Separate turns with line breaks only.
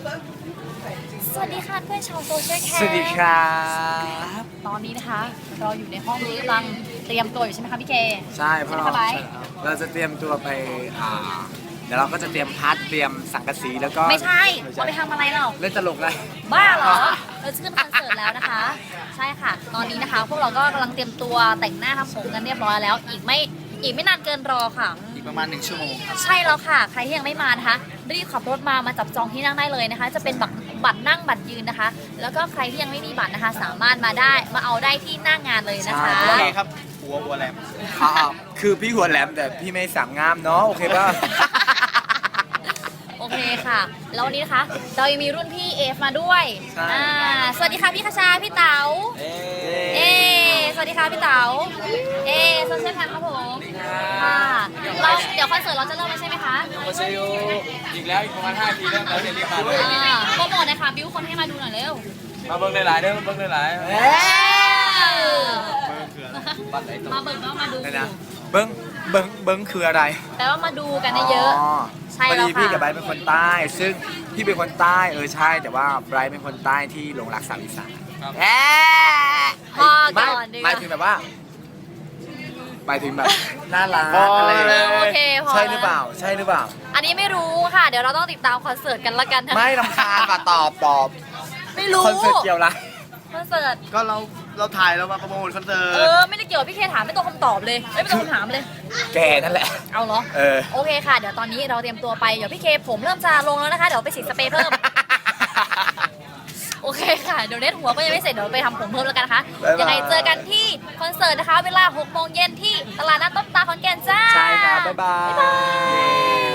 สวัสดีค่ะเพื่อนชาวโซเชียลแคส
สวัสดีครับ
ตอนนี้นะคะเราอยู่ในห้องนี้กำลังเตรียมตัวอยู่ใช่ไหมคะพี่เค
ใช่เพราะ
ใช่ไหมคะไบร์ท
เราจะเตรียมตัวไปเดี๋ยวเราก็จะเตรียมพัดเตรียมสังกะสีแล้วก็
ไม่ใช่เอาไปทำอะไรเรา
เล่นตลกเลย
บ้าเหรอเราจะขึ้นคอนเสิร์ตแล้วนะคะ ใช่ค่ะ ตอนนี้นะคะ พวกเราก็กำลังเตรียมตัวแต่งหน้าทำผมกันเรียบร้อยแล้ว อีกไม่นานเกินรอค่ะ
อีกประมาณ1 ชั่วโมงครับ
ใช่แล้วค่ะ ใครที่ยังไม่มานะคะรีบขับรถมาจับจองที่นั่งได้เลยนะคะ จะเป็นบัตรนั่งบัตรยืนนะคะ แล้วก็ใครที่ยังไม่มีบัตรนะคะ สามารถมาเอาได้ที่หน้างานเลยนะคะ
ใช่
ครับหัวแหลม
คือพี่หัวแหลมแต่พี่ไม่สั่งงามเนาะโอเคป่ะ
โอเคค่ะ แล้ววันนี้นะคะเรายังมีรุ่นพี่เอฟมาด้วย
ใช่
สวัสดีค่ะพี่คชาพี่เต๋าสวัสดีค่ะพี่เต๋าโซเชียลแพนครับผมค่ะเดี๋ยวคอนเสิร์ตเราจะเริ่มแล้วใช่ไหมคะ
โอเซโยอีกแล้วอีกประมาณ5 ทีแล้วเราจะรีบมาเลย
โปรโมทหนะคะบิ้วคนให้มาดูหน่อยเร็ว
มาเบิ้งหลายๆเด้อเบิ้งหลาย
มาเบิกก็มาดู
เดี๋ยวนะเบิ้งคืออะไร
แปลว่ามาดูกันเยอะ ใช่
พอ
แล้ว
ดี
ค่ะ
พี่กับไบร์ทเป็นคนใต้ ซึ่งพี่เป็นคนใต้ใช่แต่ว่าไบร์ทเป็นคนใต้ที่หลงรักสาวอีสานแอะ
พอ
ไม่
ก่อนดีก
หมาย
ว่า
ถึงแบบว่าหมายถึงแบบน่ารักอะไรอย่างเงี้ย
โอเคพอ
ใช่หรือเปล่าใช่หรือเปล่า
อันนี้ไม่รู้ค่ะ เดี๋ยวเราต้องติดตามคอนเสิร์ตกันละกันนะ
ไม่รำคาญป่ะตอบ
ไม่รู้
คอนเสิร์ตเกี่ยวอะไร
คอนเสิร์ต
ๆก็เราถ่ายเรามาโปรโมทคอนเสิร์ต
ไม่ได้เกี่ยวกับพี่เคถามไม่ตรงคำตอบเลยไม่ตรงคำถามเลย
แกนั่นแหละ
เอาเหรอ โอเคค่ะ เดี๋ยวตอนนี้เราเตรียมตัวไป เดี๋ยวพี่เคผมเริ่มจะลงแล้วนะคะ เดี๋ยวไปฉีดสเปรย์เพิ่ม โอเคค่ะ เดี๋ยวเน็ตหัวก็ยังไม่เสร็จ เดี๋ยวไปทำผมเพิ่มแล้วกันนะคะ
บ๊ายบาย
ยังไงเจอกันที่คอนเสิร์ตนะคะ เวลา 6 โมงเย็นที่ตลาดนัดต้นตาลขอนแก่นจ้า
ใช่ครับ บ๊ายบาย